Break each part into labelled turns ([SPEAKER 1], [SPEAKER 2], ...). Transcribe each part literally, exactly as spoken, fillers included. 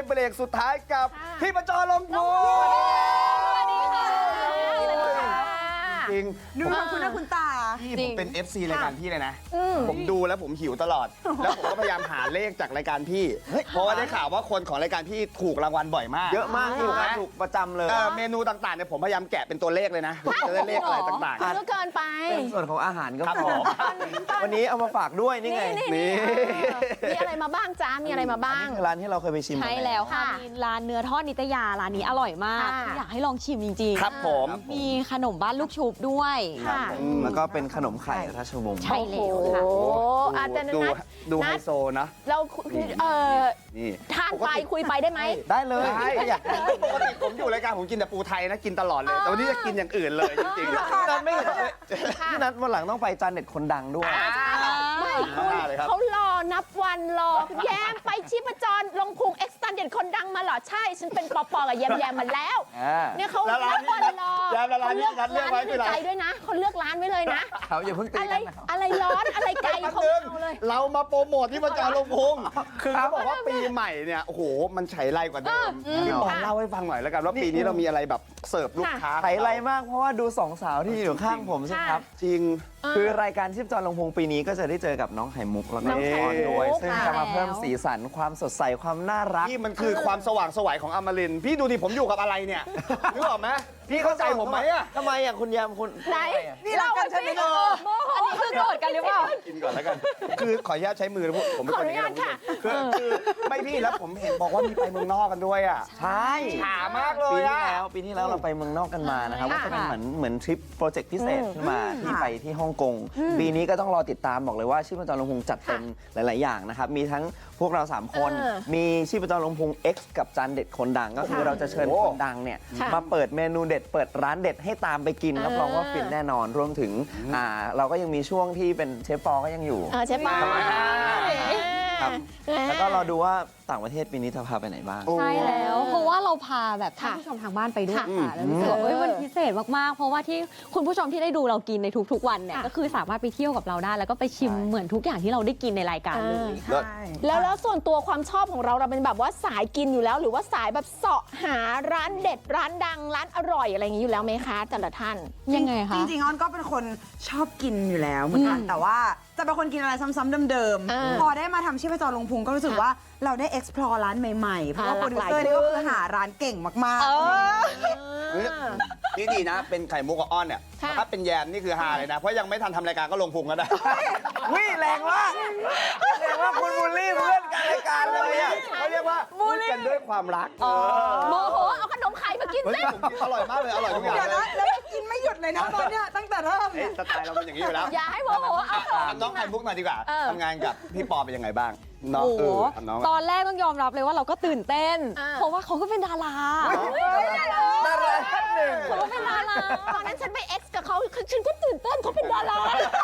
[SPEAKER 1] เบรกสุดท้ายกับพี่ประจรลมพู
[SPEAKER 2] สวัสดีค่ะสวัสดีค่ะ
[SPEAKER 1] จริง
[SPEAKER 3] ดูทำคุณหน้าคุณตา
[SPEAKER 1] พี่ผมเป็น เอฟ ซี รายการพี่เลยนะ ผมดูแล้วผมหิวตลอด แล้วผมก็พยายามหาเลขจากรายการพี่ เพราะว่าได้ข่าวว่าคนของรายการพี่ถูกรางวัลบ่อยมาก
[SPEAKER 4] เยอะมาก
[SPEAKER 1] ถูกไหม
[SPEAKER 4] ถูกประจำเลย
[SPEAKER 1] เอ่อเมนูต่างๆเนี่ยผมพยายามแกะเป็นตัวเลขเลยนะจะได้เลขอะไรต่าง
[SPEAKER 2] เยอะเกินไป
[SPEAKER 4] เป็นส่วนของอาหารก็
[SPEAKER 1] ครับ
[SPEAKER 4] พ
[SPEAKER 1] ผ
[SPEAKER 4] อ
[SPEAKER 1] ม
[SPEAKER 4] วันนี้เอามาฝากด้วยนี่ไง
[SPEAKER 1] นี่
[SPEAKER 2] มีอะไรมาบ้างจ้ามีอะไรมาบ้าง
[SPEAKER 4] นี่คือร้านที่เราเคยไปชิม
[SPEAKER 5] ใช่แล้วค่ะ
[SPEAKER 2] ค่ะ
[SPEAKER 5] มีร้านเนื้อทอดนิตยาร้านนี้อร่อยมาก
[SPEAKER 2] ค่ะ
[SPEAKER 5] อยากให้ลองชิมจริง
[SPEAKER 1] ครับผม
[SPEAKER 5] ๆ มีขนมบ้านลูกชุบด้วย
[SPEAKER 2] ค่ะ
[SPEAKER 4] อืมแล้วก็เป็นขนมไข่ราชวงศ์
[SPEAKER 5] ใช่แล้วค่ะ
[SPEAKER 2] โอ้โหอาจจะ
[SPEAKER 1] ดู
[SPEAKER 2] นัด
[SPEAKER 1] ดูไฮ
[SPEAKER 2] นัด
[SPEAKER 1] โซนะ
[SPEAKER 2] เราเออ
[SPEAKER 1] นี่
[SPEAKER 2] ทานไปคุยไปได้ไหม
[SPEAKER 4] ได้เลย
[SPEAKER 1] ใช่
[SPEAKER 4] อยาก
[SPEAKER 1] ปกติผมอยู่รายการผมกินแต่ปูไทยนะกินตลอดเลย แต่วันนี้จะกินอย่างอื่นเลยจริงๆ
[SPEAKER 4] พี่นัทไม่เห็นเลยพี่นัทวันหลังต้องไปจานเด็ดคนดังด้วย
[SPEAKER 2] ไม่คุย
[SPEAKER 1] เลยครับ
[SPEAKER 2] เขารอนับวันรอแย้มไปชีพจรลงพุงเอ็กซ์ตันเด่นคนดังมาเหรอใช่ ฉันเป็นปอปอกับแยมแยมมาแล้ว
[SPEAKER 4] อ่า
[SPEAKER 2] เนี่ยเขา
[SPEAKER 1] แล้วร้าน
[SPEAKER 2] นับวันรอ
[SPEAKER 1] แยมแล้วร้านนี้
[SPEAKER 2] เขา
[SPEAKER 1] นัดเลือกไว้
[SPEAKER 2] ร้าน
[SPEAKER 1] คือ
[SPEAKER 2] ใน
[SPEAKER 1] อะไร
[SPEAKER 2] ใจด้วยนะเขาเลือกร้านไว้เลยนะ
[SPEAKER 4] เขาอย่าเพิ่งตี
[SPEAKER 2] อะไร
[SPEAKER 4] กันนะครับ
[SPEAKER 2] อะไรร้อนอะไรไกล
[SPEAKER 1] แป๊บ
[SPEAKER 2] เขา
[SPEAKER 1] นึง
[SPEAKER 2] เอาเลย
[SPEAKER 1] เรามาโปรโมทที่ประจรลงพุงคือเขาบอกว่าปีใหม่เนี่ยโอ้โหมันไฉไลกว่าเดิมพี่ปอนเล่าให้ฟังหน่อยแล้วกันว่าปีนี้เรามีอะไรแบบเสิร์ฟลูกค้า
[SPEAKER 4] ไถไรมากเพราะว่าดูสองสาวที่อยู่ข้างผมสิครับ
[SPEAKER 1] จริง
[SPEAKER 4] คือรายการชีพจรลงพงปีนี้ก็จะได้เจอกับน้องไข่มุกแล้วก็
[SPEAKER 2] น้
[SPEAKER 4] น้
[SPEAKER 2] อ
[SPEAKER 4] อง ง
[SPEAKER 2] ไข่
[SPEAKER 4] ออนด้วย
[SPEAKER 2] มุก
[SPEAKER 4] ซึ่ง
[SPEAKER 2] ค่ะ
[SPEAKER 4] จะมาเพิ่มสีสันความสดใสความน่ารัก
[SPEAKER 1] นี่มันคือความสว่างไสวของอมรินทร์พี่ดูดิผมอยู่กับอะไรเนี่ยนึกออกไหมพี่เข้าใจผมไหมอะ
[SPEAKER 4] ทำไมอ่ะคุณยามคุณ
[SPEAKER 2] ไหน
[SPEAKER 3] นี่เรากันใช่ไหม
[SPEAKER 2] เอออันนี้คือโกรธกันหรือเปล่า
[SPEAKER 1] กินก่อนแล้วกัน คือขออนุญาตใช้มือนะพวกผมเป็นคนอย่าง
[SPEAKER 2] ขออนุญาตค่ะ
[SPEAKER 1] คือคือไม่พี่แล้วผมเห็นบอกว่ามีไปเมืองนอกกันด้วยอ่ะ
[SPEAKER 4] ใช่
[SPEAKER 1] ฉามากเลย
[SPEAKER 4] ปีที่
[SPEAKER 1] อะ
[SPEAKER 4] แล้วปีที่แล้วเราไปเมืองนอกกันมานะครับ
[SPEAKER 2] ค่ะ
[SPEAKER 4] ว่าจะเป็นเหมือนเหมือนทริปโปรเจกต์พิเศษขึ้นมาที่ไปที่ฮ่องกงปีนี้ก็ต้องรอติดตามบอกเลยว่าชีพจรลงพุงจัดเต็มหลาย ๆ อย่างนะครับมีทั้งพวกเราสามคน
[SPEAKER 2] เออ
[SPEAKER 4] มีชีพจรลงพุง X กับจานเด็ดคนดังก็คือ
[SPEAKER 2] ค่ะ
[SPEAKER 4] เราจะเชิญ
[SPEAKER 1] โอ้
[SPEAKER 4] คนดังเนี่ย
[SPEAKER 2] ค่ะ
[SPEAKER 4] มาเปิดเมนูเด็ดเปิดร้านเด็ดให้ตามไปกิน
[SPEAKER 2] เออ
[SPEAKER 4] รับรองว่าฟินแน่นอนรวมถึงอ่าเราก็ยังมีช่วงที่เป็นเชฟปอก็ยังอยู่
[SPEAKER 2] เออใช่ปะ
[SPEAKER 4] ครับ แล้วก็เราดูว่าต่างประเทศปีนี้จะพาไปไหนบ้าง
[SPEAKER 5] ใช่แล้ว เพราะว่าเราพาแบบท่าน
[SPEAKER 2] ค่ะ
[SPEAKER 5] ผู้ชมทางบ้านไปด้วย
[SPEAKER 2] ค่ะ
[SPEAKER 5] ค่ะแล้วรู้สึกว่า
[SPEAKER 2] อืม
[SPEAKER 5] เฮ้ยมันพิเศษมากๆ เพราะว่าที่คุณผู้ชมที่ได้ดูเรากินในทุกๆวันเนี่ย
[SPEAKER 2] ค่ะ
[SPEAKER 5] ก็คือสามารถไปเที่ยวกับเราได้ แล้วก็ไปชิมเหมือนทุกอย่างที่เราได้กินในรายการเลย
[SPEAKER 1] เลิศ
[SPEAKER 2] แล้วแล้วส่วนตัวความชอบของเราเราเป็นแบบว่าสายกินอยู่แล้ว หรือว่าสายแบบเสาะหาร้านเด็ดร้านดังร้านอร่อยอะไรอย่างนี้อยู่แล้วไหมคะแต่ละท่าน
[SPEAKER 5] ยังไงคะ
[SPEAKER 3] จริงๆออนก็เป็นคนชอบกินอยู่แล้วเหมือนกัน แต่ว่าจะเป็นคนกินอะไรซ้ำๆเดิม
[SPEAKER 2] อ่า
[SPEAKER 3] ๆ พอได้มาทำชีพจรลงพุงก็รู้สึกว่าเราได้ explore ร้านใหม่ๆ เพราะว่า
[SPEAKER 2] อ่า
[SPEAKER 3] โปรดิว
[SPEAKER 2] หลาก
[SPEAKER 3] เซ
[SPEAKER 2] ห
[SPEAKER 3] อ
[SPEAKER 2] ลาย
[SPEAKER 3] ร์นี่ก็
[SPEAKER 2] ขึ้
[SPEAKER 3] คื
[SPEAKER 2] น
[SPEAKER 3] อหาร้านเก่งมาก
[SPEAKER 2] เออ
[SPEAKER 1] นี่ดีนะ เป็นไข่มุกกับอ้อนเนี่ย
[SPEAKER 2] ค่ะ
[SPEAKER 1] ถ้าเป็นแยมนี่คือฮาเลยนะ เพราะยังไม่ทันทำรายการก็ลงพุงก็ได้
[SPEAKER 4] วิแรงมากแรงว่าคุณบูลลี่เพื่อนการรายการเลยอ่ะ
[SPEAKER 1] เขาเรียกว่าพูดกันด้วยความรักเออ
[SPEAKER 2] โมโหเอาขนมไข่มากิน
[SPEAKER 1] เฮ้ย
[SPEAKER 2] สิ
[SPEAKER 1] ผมกินอร่อยมากเลย อร่อยทุกอย่าง
[SPEAKER 3] ๆ เดี๋ยว
[SPEAKER 1] เล
[SPEAKER 3] นะ
[SPEAKER 1] ย
[SPEAKER 3] แล้วก็กินไม่หยุดเลยนะตอนเนี้ยตั้งแต่เริ่ม
[SPEAKER 1] เอ๊ะสไตล์เราเป็นอย่างนี้อยู่แล้ว
[SPEAKER 2] อย่าให้โมโหเอา
[SPEAKER 1] ถามน้องไข่มุกหน่อยดีกว่า
[SPEAKER 2] เออ
[SPEAKER 1] ทำงานกับพี่ปอเป็นยังไงบ้างน้อง
[SPEAKER 5] โอ้โห
[SPEAKER 1] เออถามน้อง
[SPEAKER 5] ตอนแรกต้องยอมรับเลยว่าเราก็ตื่นเต้น
[SPEAKER 2] อ่า
[SPEAKER 5] เพราะว่าเขาก็เป็นดารา
[SPEAKER 4] ดาราท่านหนึ่ง
[SPEAKER 5] เขาก็เป็นดารา
[SPEAKER 2] ตอนนั้นฉันไปเอ็กซ์กับเขาฉันก็ตื่นเต้นเขาเป็นดารา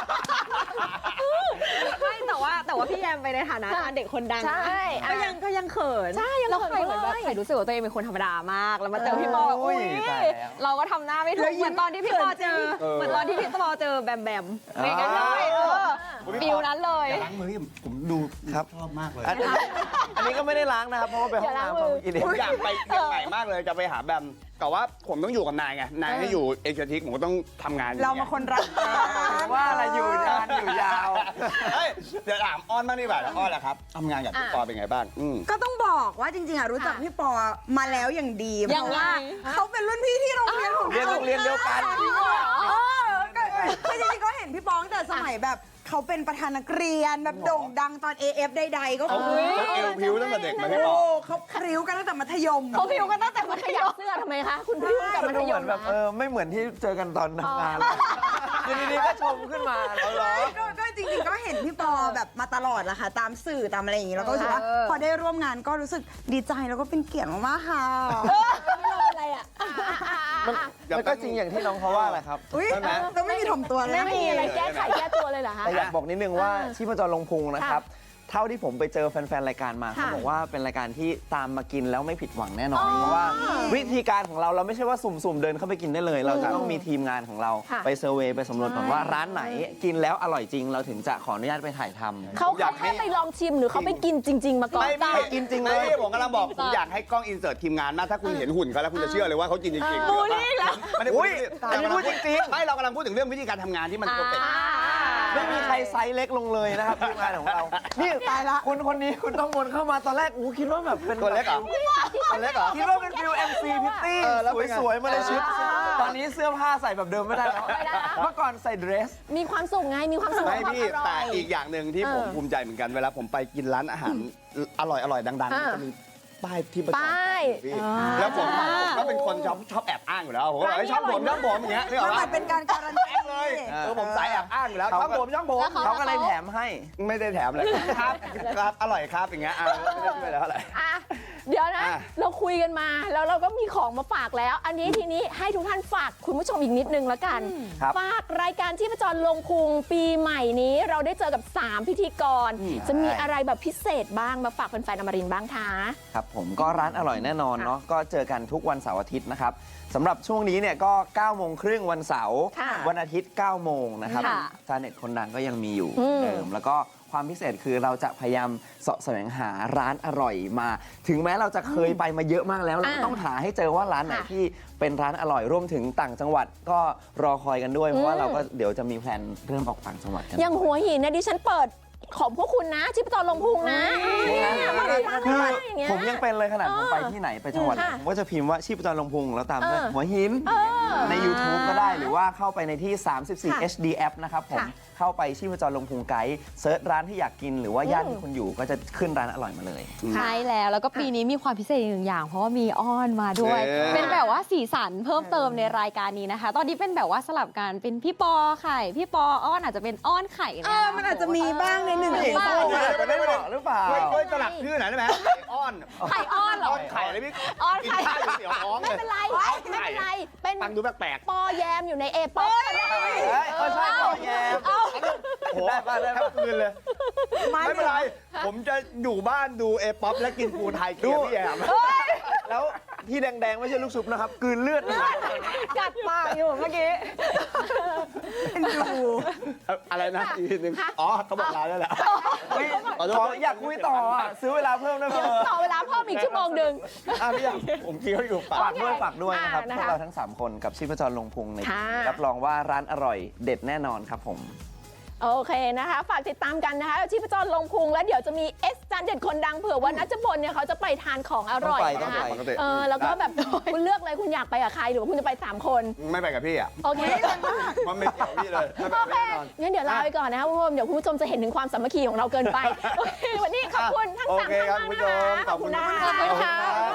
[SPEAKER 5] ไม่แต่ว่าแต่ว่าพี่แยมไปในฐานะเด็กคนดัง
[SPEAKER 2] ใช่
[SPEAKER 5] ก็ยังก็ยังเขิน
[SPEAKER 2] ใช่ยัง
[SPEAKER 5] แล้ว
[SPEAKER 2] เขิน
[SPEAKER 5] ไข่เหมือนแบบ
[SPEAKER 2] เลย
[SPEAKER 5] ไข่รู้สึกว่าตัวเองเป็นคนธรรมดามาก แล้วมาเจอพี่ปอ
[SPEAKER 4] โอ้
[SPEAKER 5] อุ้
[SPEAKER 4] ย
[SPEAKER 5] ย
[SPEAKER 4] ตายแล้ว
[SPEAKER 5] เราก็ทำหน้าไม่ถู
[SPEAKER 3] แล้
[SPEAKER 5] ก
[SPEAKER 3] วยิ้ม
[SPEAKER 5] เหมือนตอนที่พี่ปอเจอ
[SPEAKER 1] เออ
[SPEAKER 5] เหมือนตอนที่พี่ปอเจอแบมแบม
[SPEAKER 4] อ๋อ
[SPEAKER 5] เป็นกันเลยเออ
[SPEAKER 1] คุณพี่
[SPEAKER 5] ฟิ
[SPEAKER 1] ป
[SPEAKER 5] ล
[SPEAKER 1] อ
[SPEAKER 5] นั้นเลย
[SPEAKER 1] อย่าล้างมือที่ผมดู
[SPEAKER 4] ครับ
[SPEAKER 1] ชอบมากเลย
[SPEAKER 4] อันนี้อันนี้ก็ไม่ได้ล้างนะครับ เพราะว่าไปห้องน้ำเขากินเอง
[SPEAKER 1] ผมอยากไปเชียงใหม่มากเลยจะไปหาแบมแต่ว่าผมต้องอยู่กับนายไงนายให้อยู่เอเชียทิกผมก็ต้องทำงานอยู่
[SPEAKER 3] เรามาคนรักกัน
[SPEAKER 4] ว่าอะไรอยู่นานอยู่ยาว
[SPEAKER 1] เฮ้ยเดี๋ยวถามอ้อนบ้างดีกว่าอ้อนแหละครับทำงานกับพี่ปอเป็นไงบ้างอืม
[SPEAKER 3] ก็ต้องบอกว่าจริงๆอะรู้จักพี่ปอมาแล้วอย่างดีเพ
[SPEAKER 5] ยัง
[SPEAKER 3] ราะ
[SPEAKER 5] ไง
[SPEAKER 3] ว่าเขาเป็นรุ่นพี่ที่โรงเรียนของ
[SPEAKER 4] เรียนโรงเรียนเดียวกัน
[SPEAKER 3] เออก็คือจริงๆก็เห็นพี่ปอตั้งแต่สมัยแบบเขาเป็นประธานนักเรียนแบบโด่งดังตอน เอ เอฟ ใดๆก็
[SPEAKER 1] เขา
[SPEAKER 3] คือ
[SPEAKER 1] เขาเอวพิ้วตั้งแต่เด็กมาพี่ป
[SPEAKER 3] โอ้
[SPEAKER 1] อ
[SPEAKER 3] เขาพริ้วกันตั้งแต่มัธยม
[SPEAKER 2] เขาพิวกันตั้งแต่มัธยมเสื้อทำไมคะ คุณพิวกับมัธ
[SPEAKER 4] ดู
[SPEAKER 2] ย
[SPEAKER 4] เหมือ
[SPEAKER 2] ม
[SPEAKER 4] นแบบเออไม่เหมือนที่เจอกันตอนทำงานเลยคือดีๆก็ชมขึ้นมาแล้วเหรอ
[SPEAKER 3] ก็ก็จริงๆก็เห็นพี่ปอแบบมาตลอดแหละค่ะ ตามสื่อตามอะไรอย่างงี้แล้วก็รู้สึกว่าพอได้ร่วมงานก็รู้สึกดีใจแล้วก็เป็นเกียรติมากๆค่ะ
[SPEAKER 2] ไม่รู้เป็นอะไรอ่ะ
[SPEAKER 4] มันมันก็จริงอย่างที่น้องเขาว่าแหละครับ
[SPEAKER 3] อุ้ย
[SPEAKER 1] ใช่ไหม
[SPEAKER 3] เราไม่มีถ่อมตัวเลย
[SPEAKER 2] ไม่มีอะไรแก้ไขแก้ตัวเลยเหรอคะ
[SPEAKER 4] แต่อยากบอกนิดนึงว่าชีพจรลงพุงนะครับเท่าที่ผมไปเจอแฟนๆรายการมา
[SPEAKER 2] ค่ะ
[SPEAKER 4] เขาบอกว่าเป็นรายการที่ตามมากินแล้วไม่ผิดหวังแน่นอน
[SPEAKER 2] อ๋อ
[SPEAKER 4] เพราะว่าวิธีการของเราเราไม่ใช่ว่าสุ่มๆเดินเข้าไปกินได้เลย เราจะต้องมีทีมงานของเรา
[SPEAKER 2] ค่ะ
[SPEAKER 4] ไปเซอร์เวย์ไปสำรวจก่อนว่าร้านไหนกินแล้วอร่อยจริง เราถึงจะขออนุญาตไปถ่ายทำ
[SPEAKER 2] เขา
[SPEAKER 1] อยา
[SPEAKER 2] เขา
[SPEAKER 1] กให้
[SPEAKER 2] แค่ไปลองชิมหรือเขาไปกินจริง ๆ มาก่อน
[SPEAKER 1] ไม่ไม่
[SPEAKER 4] กินจริงเลย
[SPEAKER 1] ไม่ผมกำลังบอกผมอยากให้กล้องอินเสิร์ตทีมงานมากถ้าคุณเห็นหุ่นเขาแล้วคุณจะเชื่อเลยว่าเขากินจริงๆ
[SPEAKER 2] บูลลี่แล้ว
[SPEAKER 1] ไม่ได้
[SPEAKER 4] อุ๊
[SPEAKER 1] พูด
[SPEAKER 4] ย
[SPEAKER 1] อันนี้
[SPEAKER 4] อันนี้
[SPEAKER 1] พู
[SPEAKER 4] พู
[SPEAKER 1] ด
[SPEAKER 4] ด
[SPEAKER 1] จ
[SPEAKER 4] จริ
[SPEAKER 1] ริง
[SPEAKER 4] ง
[SPEAKER 1] ๆไม่เรากำลังพูดถึงเรื่องวิธีการทำงานที่มันเพอร์เฟกต์
[SPEAKER 4] ไม่มีใครไซส์เล็กลงเลยนะครับทีมงานของเรา นี่
[SPEAKER 3] ตายละ
[SPEAKER 4] คุณคนนี้คุณต้องวนเข้ามาตอนแรกอู้คิดว่าแบบเป็น
[SPEAKER 1] ตัวเล็กเหรอตัวเล็กเหรอ
[SPEAKER 4] คิดว่าเป็นฟิล เอ็ม ซี พิตตี้
[SPEAKER 1] เออแล้วเป็นไง
[SPEAKER 4] สวยๆมาเลยชุด ตอนนี้เสื้อผ้าใส่แบบเดิมไม่ได้แล้ว
[SPEAKER 2] ไม่ได้แล้ว
[SPEAKER 4] เมื่อก่อนใส่เดรส
[SPEAKER 2] มีความสุขไงมีความสุข
[SPEAKER 1] ไม่
[SPEAKER 2] กับความ
[SPEAKER 1] พี่
[SPEAKER 2] อร่
[SPEAKER 1] แต่
[SPEAKER 2] อย
[SPEAKER 1] อีกอย่างหนึ่งที่ผม
[SPEAKER 2] เออ
[SPEAKER 1] ภูมิใจเหมือนกันเวลาผมไปกินร้านอาหารอร่อยอร่อยดังๆ
[SPEAKER 2] อ่า
[SPEAKER 1] มันจะมีป้ายที่ประจำ
[SPEAKER 2] ป้าย
[SPEAKER 1] พี่แล้วผมผมก็เป็นคนชอบชอบแอบอ้างอยู่แล้วผมก็บอกเฮ้ยชอบผมชอบผมอย่างเงี้ยนึกออก
[SPEAKER 3] มันเหมื
[SPEAKER 1] ปะ
[SPEAKER 3] อนเป็นการการันตี
[SPEAKER 1] เลย
[SPEAKER 4] เออ
[SPEAKER 1] เออผมสายแอบอ้างอยู่แล้วชอบผมชอบผม
[SPEAKER 4] เขาก็เลยแถมให้
[SPEAKER 1] ไม่ได้แถมเลยครับครับอร่อยครับอย่างเงี้ยอ่ะไม่ได้ช่วยแล้วอะไร
[SPEAKER 2] อ่ะเดี๋ยวนะ
[SPEAKER 1] อ่ะ
[SPEAKER 2] เราคุยกันมาแล้วเราก็มีของมาฝากแล้ว อันนี้ทีนี้ให้ทุกท่านฝากคุณผู้ชมอีกนิดนึงแล้วกัน
[SPEAKER 4] ครับ
[SPEAKER 2] ฝากรายการที่ประจรลงพุงปีใหม่นี้ เราได้เจอกับ สาม พิธีกร จะมีอะไรแบบพิเศษบ้างมาฝากแฟนๆอมรินทร์บ้างคะ
[SPEAKER 4] ครับผมก็ร้านอร่อยแน่นอนเนาะก็เจอกันทุกวันเสาร์อาทิตย์นะครับสำหรับช่วงนี้เนี่ยก็เก้าโมงครึ่งวันเสาร์
[SPEAKER 2] ค่ะ
[SPEAKER 4] วันอาทิตย์เก้าโมงนะครับ
[SPEAKER 2] ค่ะ
[SPEAKER 4] ชาเน็ตคนดังก็ยังมีอยู่
[SPEAKER 2] อืม
[SPEAKER 4] เดิมแล้วก็ความพิเศษคือเราจะพยายามเสาะแสวงหาร้านอร่อยมา ถึงแม้เราจะเคยไปมาเยอะมากแล้วเราก็
[SPEAKER 2] อ่า
[SPEAKER 4] ต้องหาให้เจอว่าร้านไหน
[SPEAKER 2] ค่ะ
[SPEAKER 4] ที่เป็นร้านอร่อยรวมถึงต่างจังหวัดก็รอคอยกันด้วยเพราะว่า
[SPEAKER 2] อืม
[SPEAKER 4] เราก็เดี๋ยวจะมีแพลนเริ่มออกต่างจังหวัดกัน
[SPEAKER 2] อย่างหัวหินนะดิฉันเปิดของพวกคุณนะที่ประจรลงพุงนะเนี่ยมาเลยมา
[SPEAKER 4] คือ
[SPEAKER 2] เลยอย่างเงี้ย
[SPEAKER 4] ผมยังเป็นเลยขนาด
[SPEAKER 2] เออ
[SPEAKER 4] ผมไปที่ไหนไปจังหวัดไหน
[SPEAKER 2] ค่ะ
[SPEAKER 4] ผมก็จะพิมพ์ว่าชีพจรลงพุงแล้วตามด้วย
[SPEAKER 2] เออ
[SPEAKER 4] หัวหิน
[SPEAKER 2] เออ
[SPEAKER 4] ใน YouTube ก็ได้หรือว่าเข้าไปในที่ สามสิบสี่
[SPEAKER 2] ค่ะ
[SPEAKER 4] เอช ดี App นะครับผม
[SPEAKER 2] ค่ะ
[SPEAKER 4] เข้าไปชีพจรลงพุงไกด์เซิร์ชร้านที่อยากกินหรือว่าย่าน
[SPEAKER 2] อืม
[SPEAKER 4] ที่คุณอยู่ก็จะขึ้นร้านอร่อยมาเลย
[SPEAKER 5] ใช่แล้วแล้วก็ปีนี้มีความพิเศษอีกหนึ่งอย่าง เพราะว่ามีอ้อนมาด้วย
[SPEAKER 1] เออ
[SPEAKER 5] เป็นแบบว่าสีสันเพิ่มเติมในรายการนี้นะคะ ตอนนี้เป็นแบบว่าสลับกันเป็นพี่ปอไข่พี่ปออ้อนอาจจะเป็นอ้อนไข่
[SPEAKER 3] เออมันอาจจะมีบ้างในหนึ่ง
[SPEAKER 4] ผู้หญิง
[SPEAKER 3] บ้าง
[SPEAKER 4] คู่เนี่ยจะไม่เหมาะหรือเปล่า
[SPEAKER 1] ช่วยช่วยสลักชื่อหน่อยได้ไหมไข่อ้อน
[SPEAKER 2] ไข่อ้อนเหรอ
[SPEAKER 1] อ้อนไข่เลยพี่
[SPEAKER 2] อ้อน
[SPEAKER 1] กิน
[SPEAKER 2] ไข่
[SPEAKER 1] ข้าวอยู่เสียวท้อง
[SPEAKER 2] ไม่
[SPEAKER 1] เลย
[SPEAKER 2] เป็นไรไม่เป็นไรเป็น
[SPEAKER 1] ฟังดูแปลก
[SPEAKER 2] ปอแยมอยู่ในเอป๊อปก็ได้
[SPEAKER 4] เฮ้ยเออใช่ปอแยม
[SPEAKER 2] เอา
[SPEAKER 1] ๆโอ้โห
[SPEAKER 4] ได้ป่ะได้
[SPEAKER 1] แท
[SPEAKER 4] ป่ะ
[SPEAKER 1] บคืนเลย ไม่เป็นไร ผมจะอยู่บ้านดูเอป๊อปและกินปูไทยเกี๊ยวพี่แอม
[SPEAKER 4] แล้วที่แดงๆ ไม่ใช่ลูกชุบนะครับกลืนเลือด
[SPEAKER 2] กัดปากอยู่เมื่อกี้
[SPEAKER 1] อะไรนะอีกทีหนึงอ๋อเขาบอกลาแล้วแหละ ขอโทษ
[SPEAKER 4] ขออยากคุยต่ออ่ะซื้อเวลาเพิ่มได้ไหม
[SPEAKER 2] ต่อเวลาเพิ่มอีกชั่วโมงหนึ่ง
[SPEAKER 1] อ่ะพี่แอมผมเคี้ยวอยู่ปา
[SPEAKER 4] ฝาก กด้วยฝากด้วยนะครับ
[SPEAKER 2] อ่านะคะ
[SPEAKER 4] พวกเราทั้ง 3 คนกับชีพจรลงพุงใน
[SPEAKER 2] ค่ะ
[SPEAKER 4] รับรองว่าร้านอร่อยเด็ดแน่นอนครับผม
[SPEAKER 2] โอเคนะคะ ฝากติดตามกันนะคะชีพจรลงพุงแล้วเดี๋ยวจะมีเอสจานเด็ดคนดังเผื่อว่านัชพลเนี่ยเขาจะไปทานของอร่อย
[SPEAKER 4] ต้อง
[SPEAKER 2] นะ
[SPEAKER 4] ไป
[SPEAKER 2] คะ
[SPEAKER 4] ต้องไป
[SPEAKER 2] เออแล้วก็แบบคุณเลือกเลยคุณอยากไปกับใครหรือว่าคุณจะไปสามคน
[SPEAKER 1] ไม่ไปกับพี่อ่ะ
[SPEAKER 2] โอเค
[SPEAKER 1] มันไม่เกี่ยวพี่เลยไม่ไป
[SPEAKER 2] โอ
[SPEAKER 1] กับ
[SPEAKER 2] เค
[SPEAKER 1] พี่แน่นอน
[SPEAKER 2] งั้นเดี๋ยวลาไปก่อนนะคะคุณผู้ชมเดี๋ยวคุณผู้ชมจะเห็นถึงความสามัคคีของเราเกินไปโอเควันนี้ขอบคุณทั้ง
[SPEAKER 1] โอ
[SPEAKER 2] สาม
[SPEAKER 1] เค
[SPEAKER 2] ท่าน
[SPEAKER 1] ครับ
[SPEAKER 2] มาก
[SPEAKER 1] คุณผู้ช
[SPEAKER 2] นะคะ
[SPEAKER 1] มขอบคุณ
[SPEAKER 2] นะ
[SPEAKER 1] มาก
[SPEAKER 2] ขอบคุณค่ะ
[SPEAKER 1] ขอบคุณครับ